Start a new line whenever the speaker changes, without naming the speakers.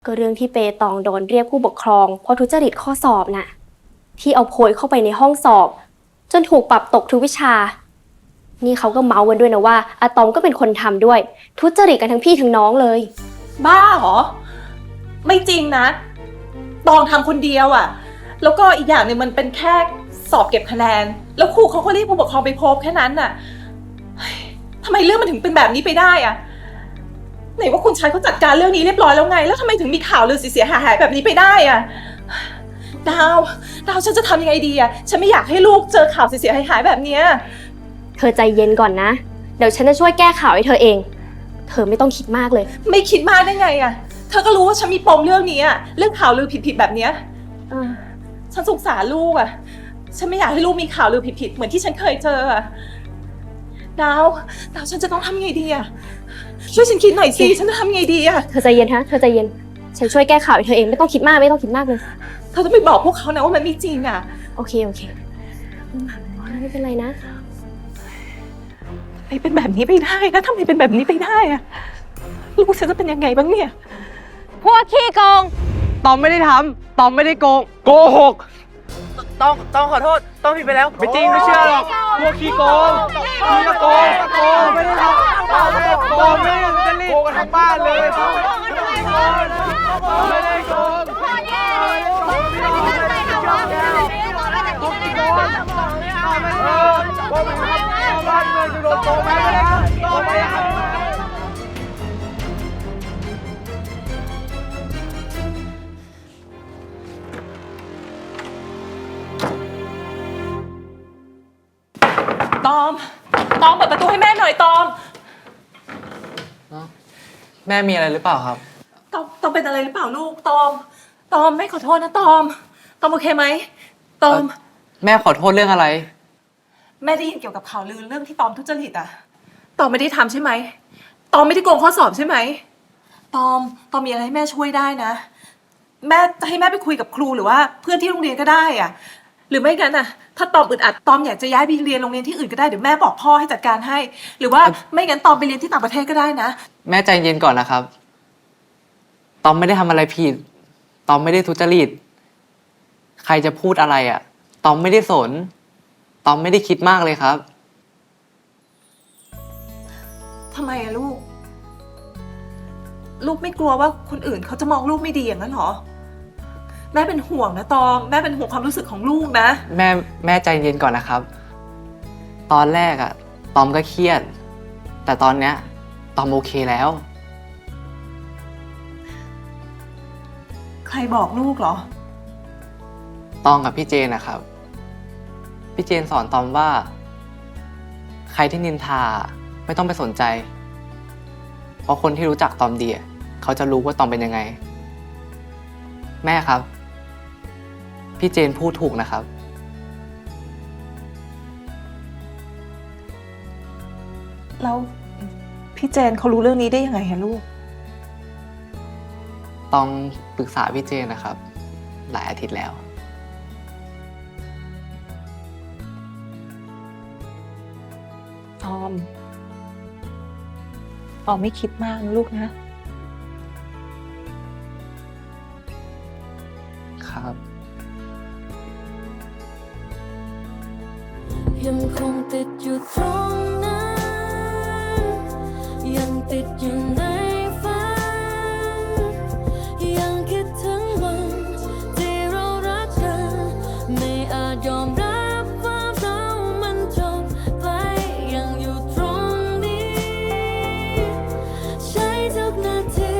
ก็เรื่องที่เปตองโดนเรียกผู้ปกครองเพราะทุจริตข้อสอบน่ะที่เอาโพยเข้าไปในห้องสอบจนถูกปรับตกทุกวิชานี่เขาก็เมาส์กันด้วยนะว่าอะตอมก็เป็นคนทำด้วยทุจริตกันทั้งพี่ทั้งน้องเลย
บ้าเหรอไม่จริงนะตองทำคนเดียวอะแล้วก็อีกอย่างหนึ่งมันเป็นแค่สอบเก็บคะแนนแล้วครูเขาก็เรียกผู้ปกครองไปพบแค่นั้นน่ะทำไมเรื่องมันถึงเป็นแบบนี้ไปได้อะไหนว่าคุณชายเขาจัดการเรื่องนี้เรียบร้อยแล้วไงแล้วทำไมถึงมีข่าวลือเสียหายแบบนี้ไปได้อะดาวฉันจะทำยังไงดีอะฉันไม่อยากให้ลูกเจอข่าวเสียหายแบบนี้
เธอใจเย็นก่อนนะเดี๋ยวฉันจะช่วยแก้ข่าวให้เธอเองเธอไม่ต้องคิดมากเลย
ไม่คิดมากได้ไงอะเธอก็รู้ว่าฉันมีปมเรื่องนี้อะเรื่องข่าวลือผิดๆแบบนี้ฉันสงสารลูกอะฉันไม่อยากให้ลูกมีข่าวลือผิดๆเหมือนที่ฉันเคยเจออะดาวฉันจะต้องทำยังไงดีอะช่วยฉันคิดหน่อยสิฉันจะทำยังไงดีอะ
เธอใจเย็นฮะเธอใจเย็นฉันช่วยแก้ข่าวให้เธอเองไม่ต้องคิดมากเลย
เธอต้องไปบอกพวกเขานะว่ามันไม่จริงอะ
โอเคไม่เป็นไรนะ
ทำไมเป็นแบบนี้ไปได้นะทำไมเป็นแบบนี้ไปได้อะลูกฉันจะเป็นยังไงบ้างเนี่ย
พวกขี้โกงตอมไม่ได้ทำตอมไม่ได้โกงโกหกต้องขอโทษต้องผิดไปแล้วไม่จริงไม่เชื่อหรอกพวกขี้โกงโกงไม่ได้ทำโกงไม่ได้จะรีบโกงกันทั้งบ้านเลยไม่ได้โกงบ้านเมืองจะโดนโกงไหมไม่ได้โกงไม่ได้
ตอมเปิดประตูให้แม่หน่อยตอม
แม่มีอะไรหรือเปล่าครับ
ตอมเป็นอะไรหรือเปล่าลูกตอมแม่ขอโทษนะตอมโอเคไหมตอม
แม่ขอโทษเรื่องอะไร
แม่ได้ยินเกี่ยวกับข่าวลือเรื่องที่ตอมทุจริตอะตอมไม่ได้ทำใช่ไหมตอมไม่ได้โกงข้อสอบใช่ไหมตอมมีอะไรให้แม่ช่วยได้นะแม่จะให้แม่ไปคุยกับครูหรือว่าเพื่อนที่โรงเรียนก็ได้อะหรือไม่งั้นน่ะถ้าตอมอึดอัดตอมอยากจะย้ายไปเรียนโรงเรียนที่อื่นก็ได้เดี๋ยวแม่บอกพ่อให้จัดการให้หรือว่าไม่งั้นตอมไปเรียนที่ต่างประเทศก็ได้นะ
แม่ใจเย็นก่อนนะครับตอมไม่ได้ทำอะไรผิดตอมไม่ได้ทุจริตใครจะพูดอะไรอ่ะตอมไม่ได้สนตอมไม่ได้คิดมากเลยครับ
ทำไมอะลูกไม่กลัวว่าคนอื่นเขาจะมองลูกไม่ดีอย่างนั้นหรอแม่เป็นห่วงนะตอมแม่เป็นห่วงความรู้สึกของลูกนะ
แม่ใจเย็นก่อนนะครับตอนแรกอะตอมก็เครียดแต่ตอนเนี้ยตอมโอเคแล้ว
ใครบอกลูกเหรอ
ตองกับพี่เจนนะครับพี่เจนสอนตอมว่าใครที่นินทาไม่ต้องไปสนใจเพราะคนที่รู้จักตอมดีเขาจะรู้ว่าตอมเป็นยังไงแม่ครับพี่เจนพูดถูกนะครับ
แล้วพี่เจนเขารู้เรื่องนี้ได้ยังไงฮะลูก
ต้องปรึกษาพี่เจนนะครับหลายอาทิตย์แล้ว
ตอมไม่คิดมากนะลูกนะ
ครับ
ยังคงติดอยู่ตรงนั้นยังติดอยู่ในฝันยังคิดถึงวันที่เรารักกันไม่อาจยอมรับว่าเรามันจบไปยังอยู่ตรงนี้ใช้ทุกนาที